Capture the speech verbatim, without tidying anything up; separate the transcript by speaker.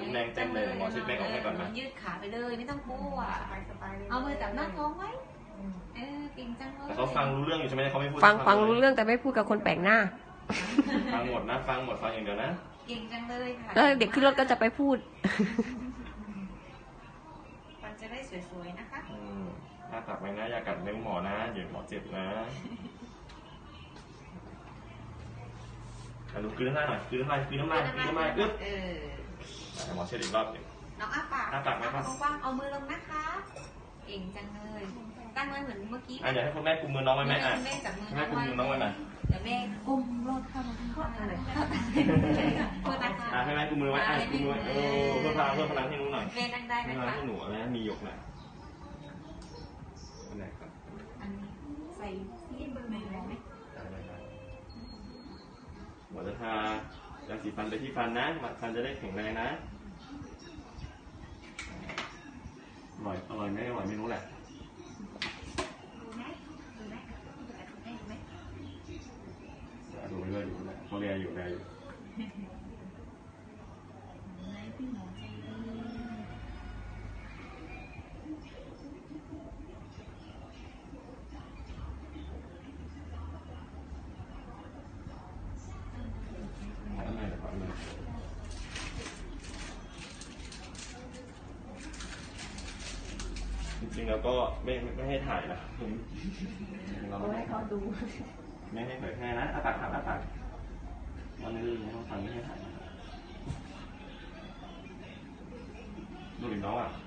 Speaker 1: แดงเต็มเลยหมอเช็ดแป้งออกให้ก่อนนะ
Speaker 2: ยืดขาไปเลยไม่ต้องกลัวเอามือจับหน้าท้องไว้เออเก่งจังเลย
Speaker 1: แต่เขาฟังรู้เรื่องอยู่ใช่ไหมเขาไม่พูด
Speaker 3: ฟังฟังรู้เรื่องแต่ไม่พูดกับคนแปลกหน้า
Speaker 1: ฟังหมดนะฟังหมดฟังอย่างเดียวนะ
Speaker 2: เก่งจังเลยค่ะ
Speaker 3: แล้วเด็กขึ้นรถก็จะไปพูด
Speaker 2: ฟันจะได้สวยๆนะคะ
Speaker 1: ถ้าตักไว้นะอย่ากัดนิ้วหมอนะเดี๋ยวหมอเจ็บนะดูกลืนน้ำลายหน่อยกลืนน้ำลายกลืนน้ำลายกลืนน้ำลายอึ๊บเออหมอเช็ดอีกรอบหนึ่ง
Speaker 2: น้องอ้าปาก
Speaker 1: อ้าปากไหมครับ
Speaker 2: กว้างเอามือลงนะคะเก่งจังเลยตั้งไว้เหมือนเมื่อกี้
Speaker 1: อ่ะเดี๋ยวให้คุณแม่กุมมือน้องไว้ไหมอ่ะ
Speaker 2: แม่จับมือ
Speaker 1: แม่กุมมือน้องไว้หน่อย
Speaker 2: เดี๋ยวแม่กุมรถเข้ามาข้างใต้เลยเพื่อนะคะ
Speaker 1: อ่ะให้แม่กุมมือไว้อ่ะกุมมือเออเพื่อพลังเพื่อพลังให้หนูหน่อย
Speaker 2: แม่นั่งได้ไหมคะ
Speaker 1: ให้หนูอะไรนะมีหยกหน่อยอันไหนครับ
Speaker 2: อันนี้ใส่ซีเบอร์ไหนได้ไหม
Speaker 1: หมอจะทายาสีฟันไปที่ฟันนะฟันจะได้แข็งแรงนะอร่อยอร่อยไม่อร่อยไม่รู้แหละ
Speaker 2: ดูไหมดูไหมดูไหม
Speaker 1: ดูไปเลยดูแลเขาเรียอยู่เรียอยู่
Speaker 2: พี่หมอใจดี
Speaker 1: จริงๆแล้วก็ไม่ไม่ให้ถ่ายนะ
Speaker 3: เราให้เขาดู
Speaker 1: ไม่ให้เผยแพร่นะอาปากอาปากวันนี้ไม่ต้องฟังไม่ให้ถ่ายดูดิน้องอ่ะ